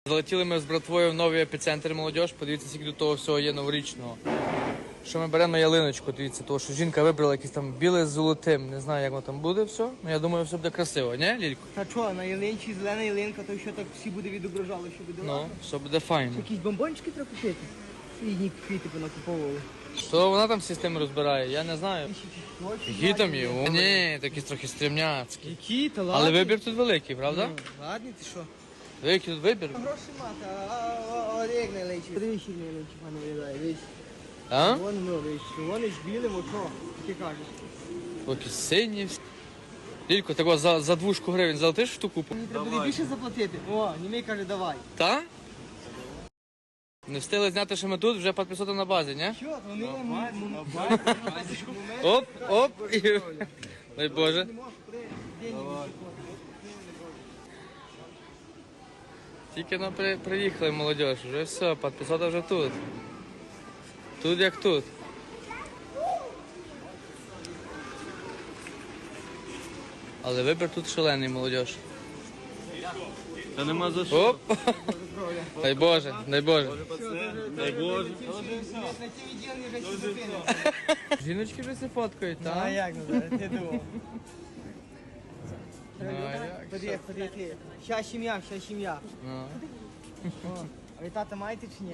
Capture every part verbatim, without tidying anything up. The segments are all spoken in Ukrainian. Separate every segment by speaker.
Speaker 1: Залетіли ми з братвою в новий епіцентр молодіж. Подивіться, скільки до того всього є новорічного. Що ми беремо на ялиночку, дивіться, того, що жінка вибрала якесь там біле з золотим. Не знаю, як воно там буде все. Ну я думаю, все буде красиво, не, Лілько?
Speaker 2: Та що, на ялинці зелена ялинка, то що так всі буде відображало, що буде
Speaker 1: Ну,
Speaker 2: ладно.
Speaker 1: все буде файно.
Speaker 2: Якісь бомбончики треба купити. Рідні квіти понакуповували.
Speaker 1: Що вона там систему розбирає, я не знаю. Які там є? О, ні, такі трохи стрімняцькі.
Speaker 2: Які, та ладно.
Speaker 1: Але вибір тут великий, правда?
Speaker 2: Ну, ладно, ти що?
Speaker 1: Великий тут вибір.
Speaker 2: Гроші мати, а як на ялинці. Подивись, як на ялинці пане виглядає, дивись.
Speaker 1: А?
Speaker 2: Вон, ну, дивись, вони ж білим, от що, ти кажеш.
Speaker 1: Поки сині всі. Лілько, так за, за двушку гривень залетиш штуку?
Speaker 2: Мені треба буде більше заплатити. О, Німей каже, давай.
Speaker 1: Та? Не встигли зняти, що ми тут, вже підписати на базі, не?
Speaker 2: Що, вони на
Speaker 1: Оп, оп, і... Дай Боже. Тільки ну, при, приїхали молодіж, вже все, підписати вже тут. Тут як тут. Але вибір тут шалений, молодіж.
Speaker 3: Та нема за що.
Speaker 1: Оп! Дай Боже, дай Боже.
Speaker 3: Дай Боже.
Speaker 2: На ті відділені вже всі зупинили.
Speaker 1: Жіночки вже се фоткають,
Speaker 2: А
Speaker 1: так?
Speaker 2: як, Назар, ти думав?
Speaker 1: Ну, а як?
Speaker 2: Ходи, ходи, ти. Ща сім'я, ща сім'я.
Speaker 1: Ну.
Speaker 2: О, а ви тата маєте чи ні?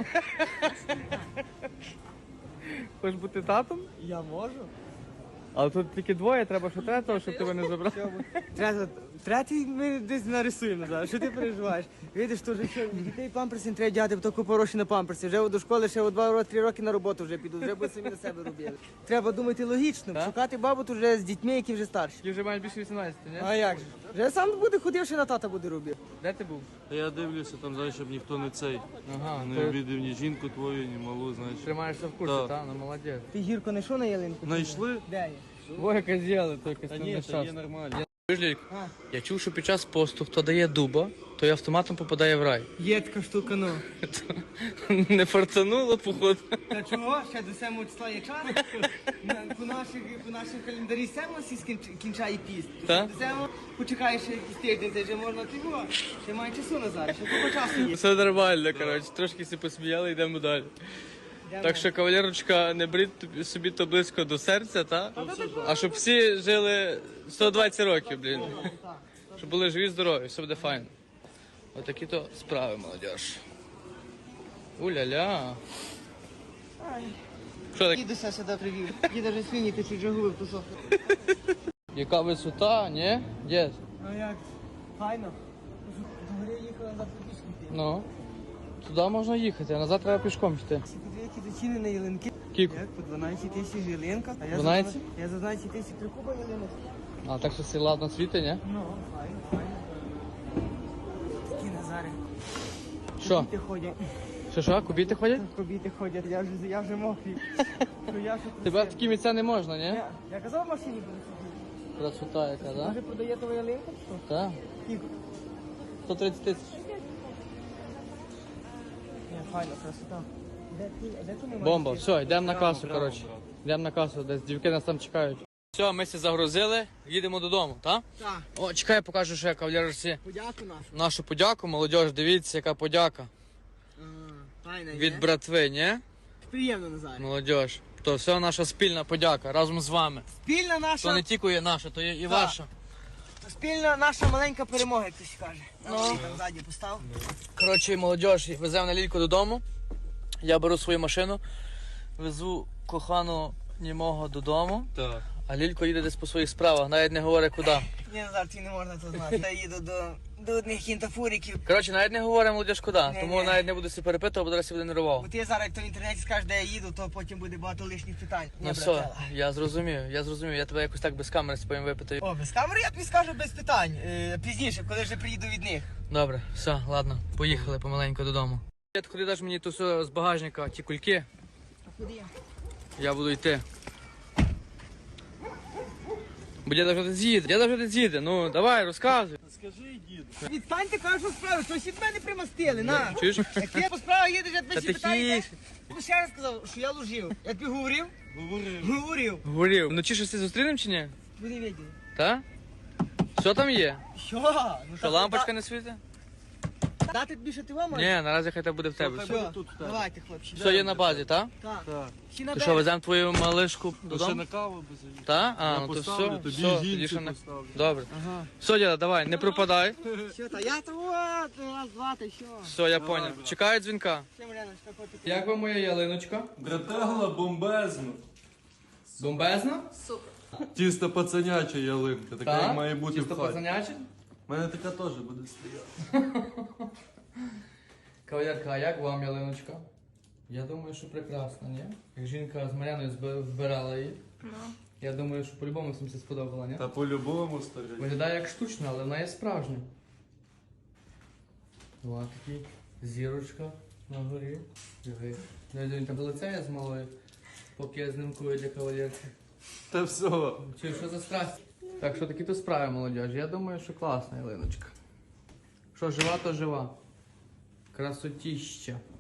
Speaker 1: Хочеш бути татом?
Speaker 2: Я можу.
Speaker 1: Але тут тільки двоє, треба що третього, щоб тебе не забрав.
Speaker 2: Треба, третій ми десь нарисуємо зараз. Що ти переживаєш? Видиш, то вже що, дітей памперси не треба дяти, бо то купа грошей на памперси. Вже до школи ще два-три роки на роботу вже підуть, вже будуть самі на себе робили. Треба думати логічно,
Speaker 1: Так?
Speaker 2: шукати бабу тут вже з дітьми, які вже старші.
Speaker 1: Ти вже маєш більше вісімнадцяти, ні?
Speaker 2: А як же? Вже сам буде ходив, ще на тата буде робити.
Speaker 1: Де ти був?
Speaker 3: Та я дивлюся там, знаєш, щоб ніхто не цей.
Speaker 1: Ага,
Speaker 3: Не
Speaker 1: ти
Speaker 3: обідав ні жінку твою, ні малу, знаєш.
Speaker 1: тримаєшся в курсі,
Speaker 3: Так.
Speaker 1: так? Ну молодець.
Speaker 2: Ти гірко не йшов на ялинку?
Speaker 3: Знайшли?
Speaker 2: Де є?
Speaker 1: Двоє козіли, тільки
Speaker 3: Та ні, та є нормально.
Speaker 2: А,
Speaker 1: Я чув, що під час посту, хто дає дуба, той автоматом попадає в рай.
Speaker 2: є така штука, ну.
Speaker 1: Не фартануло, походу.
Speaker 2: Та чого? Ще до сьомого числа є час. На- По наших, по наших календарі сьомого всі скінч- кінчає піст.
Speaker 1: Так?
Speaker 2: До сьомого почекаєш ще якийсь тиждень, це вже можна тиво. Ще має часу Назар, ще купа часу є.
Speaker 1: Все нормально, коротше, трошки всі посміяли, йдемо далі. Так що, кавалерочка, не беріть тобі- собі то близько до серця, та? А щоб всі жили сто двадцять років, блін. Щоб були живі, здорові, все буде файно. Отакі то справи, молодіж. Уля-ля. Що так?
Speaker 2: Дідуся сюди привів. Діда вже свині ти вже губив тусов.
Speaker 1: Яка висота, ні? Дід?
Speaker 2: А як? Файно. До гори їхали назад по пішки йти.
Speaker 1: Ну. Туди можна їхати, а назад треба пішком йти.
Speaker 2: Всі подивіться до ціни на ялинки.
Speaker 1: Кіку.
Speaker 2: Як? По дванадцять тисяч ялинка. А я за
Speaker 1: дванадцять?
Speaker 2: дванадцять- Я за дванадцять тисяч три куба ялинок.
Speaker 1: А так що всі ладно світи, ні?
Speaker 2: Ну, файно, файно. Такі Назари.
Speaker 1: Що?
Speaker 2: Діти ходять.
Speaker 1: Що що, кубіти ходять?
Speaker 2: Кобіти ходять, я вже, я вже мокрий. Ну, я вже
Speaker 1: Тебе в
Speaker 2: просив.
Speaker 1: такі місця не можна, ні?
Speaker 2: Я, я казав в машині буду сидіти.
Speaker 1: Красота яка, так?
Speaker 2: Може продає твою ялинку? Що?
Speaker 1: Так.
Speaker 2: Скільки?
Speaker 1: сто тридцять тисяч.
Speaker 2: Ні, файно, красота. Де ти, де ти не
Speaker 1: Бомба,
Speaker 2: можеш
Speaker 1: все, йдемо на касу,
Speaker 3: прямо,
Speaker 1: коротше.
Speaker 3: брат.
Speaker 1: Йдемо на касу, десь дівки нас там чекають. Все, ми всі загрузили, їдемо додому, так?
Speaker 2: Так,
Speaker 1: О, чекай, покажу, що я кавалерці
Speaker 2: подяку нашу.
Speaker 1: нашу подяку. Молодіж, дивіться, яка подяка.
Speaker 2: Файна,
Speaker 1: Від братви, ні?
Speaker 2: Приємно, Назар.
Speaker 1: Молодіж. То все наша спільна подяка разом з вами.
Speaker 2: Спільна
Speaker 1: То
Speaker 2: наша,
Speaker 1: не тільки є наша, то є і
Speaker 2: Так.
Speaker 1: ваша.
Speaker 2: спільна наша маленька перемога, як хтось каже. Ну. Там ззаді постав.
Speaker 1: Коротше, молодіж, веземо на Лільку додому. Я беру свою машину, везу кохану німого додому,
Speaker 3: Так.
Speaker 1: а Лілько їде десь по своїх справах, навіть не говорить куди.
Speaker 2: Ні, Назар, ти не можна це знати. Я їду до, до одних кінтафуриків.
Speaker 1: Коротше, навіть не говорить молодіж куди,
Speaker 2: Ні,
Speaker 1: тому
Speaker 2: ні.
Speaker 1: навіть не буду себе перепитувати, бо зараз я буде нервував.
Speaker 2: Бо ти зараз, як то в інтернеті скажеш, де я їду, то потім буде багато лишніх питань.
Speaker 1: Ну
Speaker 2: Ні,
Speaker 1: все,
Speaker 2: братела.
Speaker 1: я зрозумів, я зрозумів, я тебе якось так без камери споєм випитаю.
Speaker 2: О, без камери я тобі скажу без питань. Е, пізніше, коли вже приїду від них.
Speaker 1: Добре, все, ладно, поїхали помаленьку додому. Дід, ходи даш мені ту все з багажника, ті кульки,
Speaker 2: А куди я?
Speaker 1: я буду йти. Бо діда вже десь їде, діда вже десь їде, ну давай, розказуй.
Speaker 3: Скажи, дід.
Speaker 2: Відстаньте, кажу, що справи, щось від мене примастили, на.
Speaker 1: Чуєш?
Speaker 2: Як ти по справах їдеш, я тебе
Speaker 1: Та
Speaker 2: всі питаю,
Speaker 1: тихіше.
Speaker 2: я ще раз сказав, що я лужив. Я тобі говорив?
Speaker 3: Говорив.
Speaker 2: Говорив.
Speaker 1: Говорив, вночі щось ти зустрінем чи ні?
Speaker 2: Буде виділи.
Speaker 1: Та? Що там є?
Speaker 2: Що? Ну,
Speaker 1: Що
Speaker 2: так,
Speaker 1: лампочка не світить?
Speaker 2: Та Дати тобі ще ти вам?
Speaker 1: Ні, наразі хай тебе буде в тебе.
Speaker 3: Хай
Speaker 1: Все,
Speaker 3: буде
Speaker 2: Все,
Speaker 3: тут в тебе.
Speaker 2: давайте, хлопці.
Speaker 1: все є на базі, так?
Speaker 2: Так.
Speaker 3: Так.
Speaker 2: Всі на
Speaker 1: То що,
Speaker 2: берег.
Speaker 1: веземо твою малишку
Speaker 3: То ще
Speaker 1: додому?
Speaker 3: на каву без її.
Speaker 1: Так? А,
Speaker 3: Я
Speaker 1: ну то
Speaker 3: поставлю,
Speaker 1: все,
Speaker 3: тобі
Speaker 1: все,
Speaker 3: жінці
Speaker 1: тоді ще не...
Speaker 3: поставлю.
Speaker 1: Добре.
Speaker 2: Ага.
Speaker 1: Все, діда, давай, не пропадай.
Speaker 2: Все, та я то от, раз, два, та що.
Speaker 1: Все, я поняв. Чекаю дзвінка.
Speaker 2: Все, Мар'яночка, котик.
Speaker 1: Як вам моя ялиночка?
Speaker 3: Братела бомбезно.
Speaker 1: Бомбезна?
Speaker 3: Тісто пацаняча ялинка, така як має бути
Speaker 1: Чисто
Speaker 3: в хаті.
Speaker 1: пацаняче?
Speaker 3: У мене така теж буде стояти.
Speaker 1: Кавалерка, а як вам ялиночка? Я думаю, що прекрасно, ні? Як жінка з Мар'яною зби- вбирала її. Я думаю, що по-любому всім це сподобало, ні?
Speaker 3: Та по-любому старий.
Speaker 1: Виглядає як штучна, але вона є справжня. Ось такий зірочка на горі. Диви. Ну, він там долицяє з малою, поки я знімкую для кавалерки.
Speaker 3: Та все.
Speaker 1: Чи що за страсть? Так що такі то справи, молодіж. Я думаю, що класна ялиночка. Що жива, то жива. Красотіща.